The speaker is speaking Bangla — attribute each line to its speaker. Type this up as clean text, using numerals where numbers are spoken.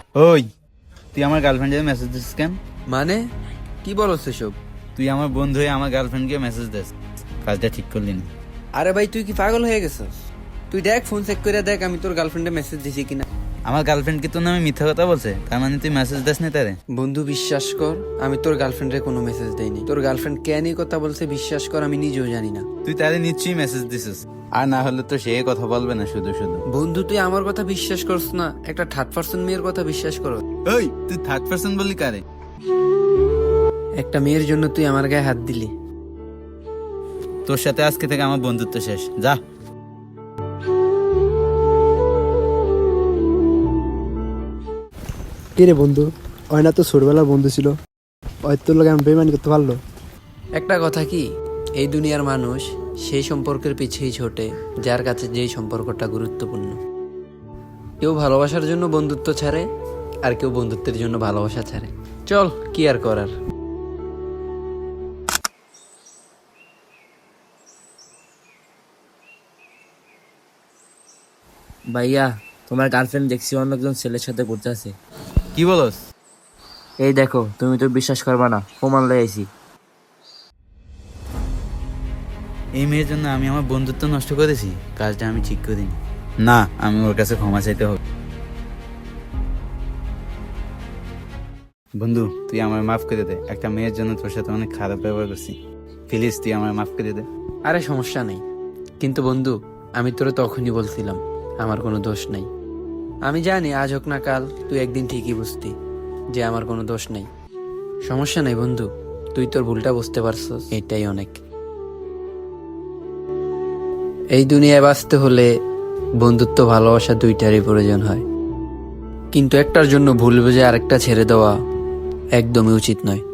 Speaker 1: ওই, তুই আমার গার্লফ্রেন্ডে মেসেজ দিস কেন?
Speaker 2: মানে কি বলো সেসব?
Speaker 1: তুই আমার বন্ধু হয়ে আমার গার্লফ্রেন্ডকে মেসেজ দিস, কাজটা ঠিক করলি না।
Speaker 2: আরে ভাই তুই কি পাগল হয়ে গেছিস? তুই দেখ, ফোন চেক করে দেখ আমি তোর গার্লফ্রেন্ডে মেসেজ দিছি কিনা।
Speaker 1: আমার গার্লফ্রেন্ড কি তোর নামে মিথ্যা কথা বলছে? তার মানে তুই মেসেজ দিস না তারে?
Speaker 2: বন্ধু বিশ্বাস কর, আমি তোর গার্লফ্রেন্ডে কোনো মেসেজ দেইনি। তোর গার্লফ্রেন্ড কেন এই কথা বলছে বিশ্বাস কর, আমি নিজেও জানি না।
Speaker 1: তুই তারে নিশ্চয়ই মেসেজ দিছিস, আর না হলে তো সে কথা বলবে না শুধু শুধু।
Speaker 2: বন্ধু তুই আমার কথা বিশ্বাস করছ না, একটা থার্ড পার্সন মেয়ের কথা বিশ্বাস কর।
Speaker 1: ওই, তুই থার্ড পার্সন বললি কারে?
Speaker 2: একটা মেয়ের জন্য তুই আমার গায়ে হাত দিলি।
Speaker 1: তোর সাথে আজকে থেকে আমার বন্ধুত্ব শেষ, যা।
Speaker 3: কে রে বন্ধু? অয়না তো ছোটবেলার বন্ধু ছিল, তোর লোক আমি বেমানি করতে পারলো?
Speaker 2: একটা কথা কি, এই দুনিয়ার মানুষ সেই সম্পর্কের পিছেই ছোটে যার কাছে যেই সম্পর্কটা গুরুত্বপূর্ণ। কেউ ভালোবাসার জন্য বন্ধুত্ব ছাড়ে, আর কেউ বন্ধুত্বের জন্য ভালোবাসা ছাড়ে। চল, কি আর করার।
Speaker 4: ভাইয়া, তোমার গার্লফ্রেন্ড দেখছি অন্য একজন ছেলের সাথে ঘুরতে আছে।
Speaker 1: কি বলস?
Speaker 4: এই দেখো, তুমি তো বিশ্বাস করবা না, প্রমাণ লয়ে আইছি।
Speaker 1: এই মেয়ের জন্য আমি আমার বন্ধুত্ব নষ্ট করেছি, কাজটা আমি ঠিক করিনি। না, আমি ওর কাছে ক্ষমা চাইতে হবে। বন্ধু, তুই আমার মাফ করে দে। একটা মেয়ের জন্য তোর সাথে অনেক খারাপ ব্যবহার করছি, প্লিজ তুই আমার মাফ করে দে।
Speaker 2: আরে সমস্যা নেই, কিন্তু বন্ধু আমি তোরে তখনই বলছিলাম আমার কোনো দোষ নাই। আমি জানি আজ হোক না কাল তুই একদিন ঠিকই বুঝতি যে আমার কোনো দোষ নেই। সমস্যা নেই বন্ধু, তুই তোর ভুলটা বুঝতে পারছস, এটাই অনেক। এই দুনিয়ায় বাঁচতে হলে বন্ধুত্ব ভালোবাসা দুইটারই প্রয়োজন হয়, কিন্তু একটার জন্য ভুল বুঝে আরেকটা ছেড়ে দেওয়া একদমই উচিত নয়।